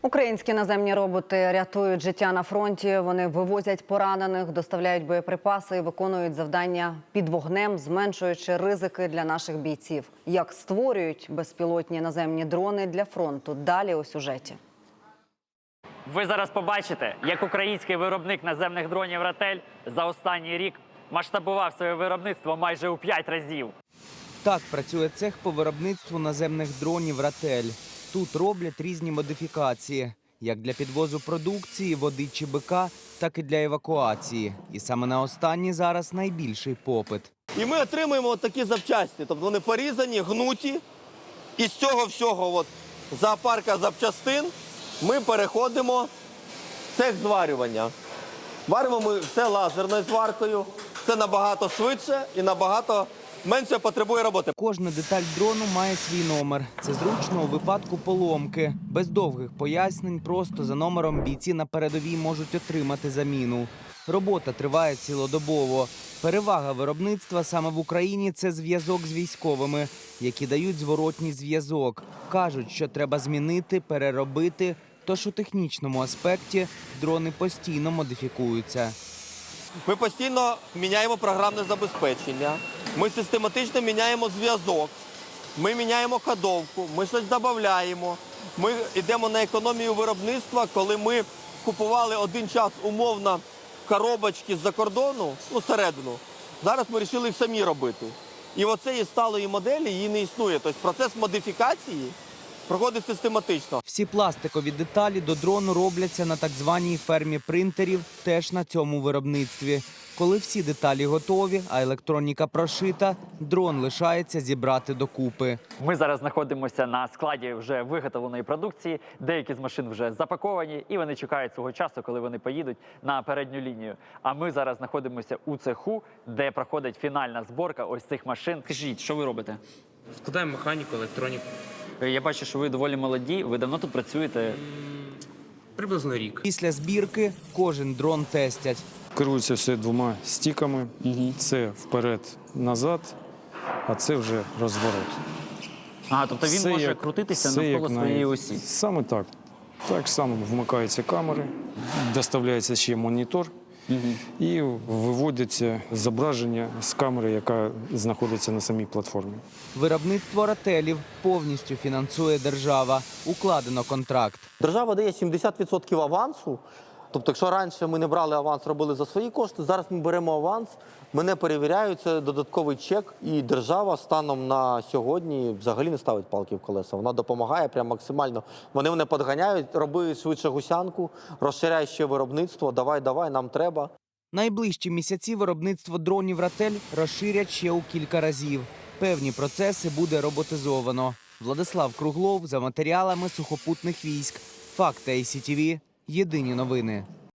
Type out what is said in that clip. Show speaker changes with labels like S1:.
S1: Українські наземні роботи рятують життя на фронті. Вони вивозять поранених, доставляють боєприпаси і виконують завдання під вогнем, зменшуючи ризики для наших бійців. Як створюють безпілотні наземні дрони для фронту? Далі у сюжеті.
S2: Ви зараз побачите, як український виробник наземних дронів «Ратель» за останній рік масштабував своє виробництво майже у 5 разів.
S3: Так працює цех по виробництву наземних дронів «Ратель». Тут роблять різні модифікації, як для підвозу продукції, води чи БК, так і для евакуації. І саме на останні зараз найбільший попит.
S4: І ми отримуємо такі запчасті, тобто вони порізані, гнуті. І з цього всього зоопарка запчастин ми переходимо в цех зварювання. Варимо ми все лазерною зваркою, це набагато швидше і набагато менше потребує роботи.
S3: Кожна деталь дрону має свій номер. Це зручно у випадку поломки. Без довгих пояснень, просто за номером бійці на передовій можуть отримати заміну. Робота триває цілодобово. Перевага виробництва саме в Україні – це зв'язок з військовими, які дають зворотній зв'язок. Кажуть, що треба змінити, переробити, тож у технічному аспекті дрони постійно модифікуються.
S4: Ми постійно міняємо програмне забезпечення, ми систематично міняємо зв'язок, ми міняємо ходовку, ми щось додаємо. Ми йдемо на економію виробництва, коли ми купували один час умовно коробочки з-за кордону, середину. Зараз ми вирішили їх самі робити. І оцеї сталої моделі її не існує. Тобто процес модифікації проходить систематично.
S3: Всі пластикові деталі до дрону робляться на так званій фермі принтерів, теж на цьому виробництві. Коли всі деталі готові, а електроніка прошита, дрон лишається зібрати докупи.
S2: Ми зараз знаходимося на складі вже виготовленої продукції. Деякі з машин вже запаковані і вони чекають свого часу, коли вони поїдуть на передню лінію. А ми зараз знаходимося у цеху, де проходить фінальна зборка ось цих машин. Скажіть, що ви робите?
S5: Складаємо механіку, електроніку.
S2: Я бачу, що ви доволі молоді. Ви давно тут працюєте?
S5: Приблизно рік.
S3: Після збірки кожен дрон тестять.
S6: Керується все двома стіками. Це вперед-назад, а це вже розворот.
S2: Ага, тобто він може крутитися навколо своєї осі?
S6: Саме так. Так само вмикаються камери, доставляється ще монітор і виводяться зображення з камери, яка знаходиться на самій платформі.
S3: Виробництво «Рателів» повністю фінансує держава. Укладено контракт.
S4: Держава дає 70% авансу. Тобто, якщо раніше ми не брали аванс, робили за свої кошти, зараз ми беремо аванс, мене перевіряють, це додатковий чек, і держава станом на сьогодні взагалі не ставить палки в колеса. Вона допомагає прям максимально. Вони мене підганяють, роби швидше гусянку, розширяй ще виробництво, давай, нам треба.
S3: Найближчі місяці виробництво дронів «Ратель» розширять ще у кілька разів. Певні процеси буде роботизовано. Владислав Круглов за матеріалами сухопутних військ. Факти ICTV. Єдині новини.